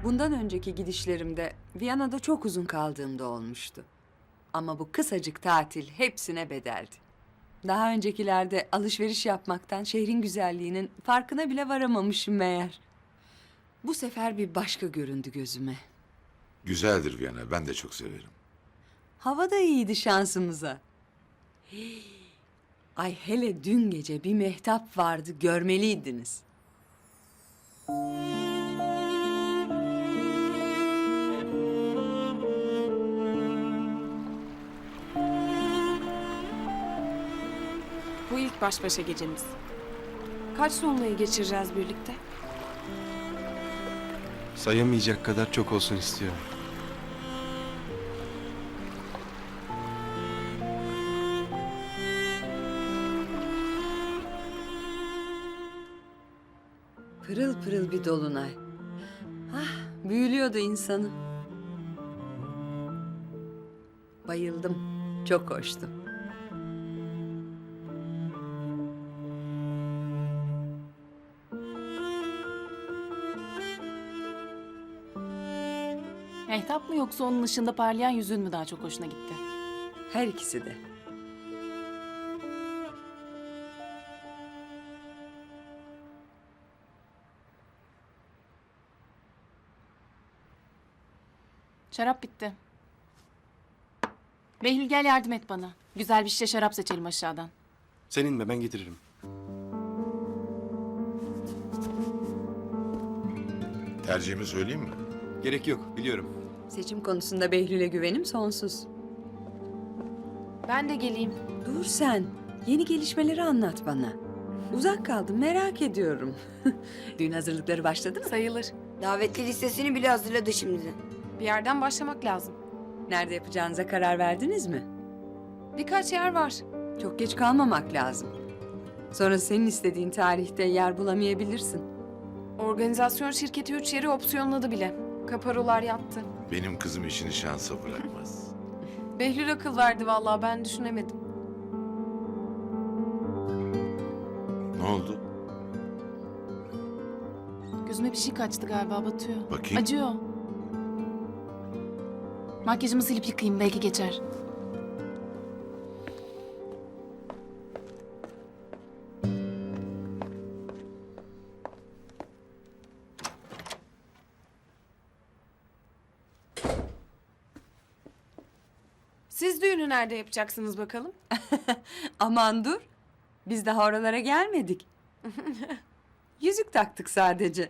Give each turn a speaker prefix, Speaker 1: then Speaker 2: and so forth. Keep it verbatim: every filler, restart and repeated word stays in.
Speaker 1: Bundan önceki gidişlerimde Viyana'da çok uzun kaldığımda olmuştu. Ama bu kısacık tatil hepsine bedeldi. Daha öncekilerde alışveriş yapmaktan şehrin güzelliğinin farkına bile varamamışım meğer. Bu sefer bir başka göründü gözüme.
Speaker 2: Güzeldir Viyana, ben de çok severim.
Speaker 1: Hava da iyiydi şansımıza. Hii. Ay hele dün gece bir mehtap vardı, görmeliydiniz.
Speaker 3: Bu ilk baş başa gecemiz. Kaç dolunayı geçireceğiz birlikte?
Speaker 4: Sayamayacak kadar çok olsun istiyorum.
Speaker 1: Pırıl pırıl bir dolunay. Ah, büyülüyordu insanı. Bayıldım, çok hoştu.
Speaker 5: Mehtap mı yoksa onun ışığında parlayan yüzün mü daha çok hoşuna gitti?
Speaker 1: Her ikisi de.
Speaker 5: Şarap bitti. Behlül gel yardım et bana. Güzel bir şişe şarap seçelim aşağıdan.
Speaker 4: Senin mi? Ben getiririm.
Speaker 2: Tercihimi söyleyeyim mi?
Speaker 4: Gerek yok, biliyorum.
Speaker 1: Seçim konusunda Behlül'e güvenim sonsuz.
Speaker 3: Ben de geleyim.
Speaker 1: Dur sen, yeni gelişmeleri anlat bana. Uzak kaldım, merak ediyorum. Düğün hazırlıkları başladı mı?
Speaker 3: Sayılır.
Speaker 6: Davetli listesini bile hazırladı şimdi.
Speaker 3: Bir yerden başlamak lazım.
Speaker 1: Nerede yapacağınıza karar verdiniz mi?
Speaker 3: Birkaç yer var.
Speaker 1: Çok geç kalmamak lazım. Sonra senin istediğin tarihte yer bulamayabilirsin.
Speaker 3: Organizasyon şirketi üç yeri opsiyonladı bile. Kaparolar yattı.
Speaker 2: Benim kızım işini şansa bırakmaz.
Speaker 3: Behlül akıl verdi vallahi, ben düşünemedim.
Speaker 2: Ne oldu?
Speaker 5: Gözüme bir şey kaçtı galiba, batıyor.
Speaker 2: Bakayım.
Speaker 5: Acıyor. Makyajımı silip yıkayayım, belki geçer.
Speaker 3: Siz düğünü nerede yapacaksınız bakalım?
Speaker 1: Aman dur, biz daha oralara gelmedik. Yüzük taktık sadece.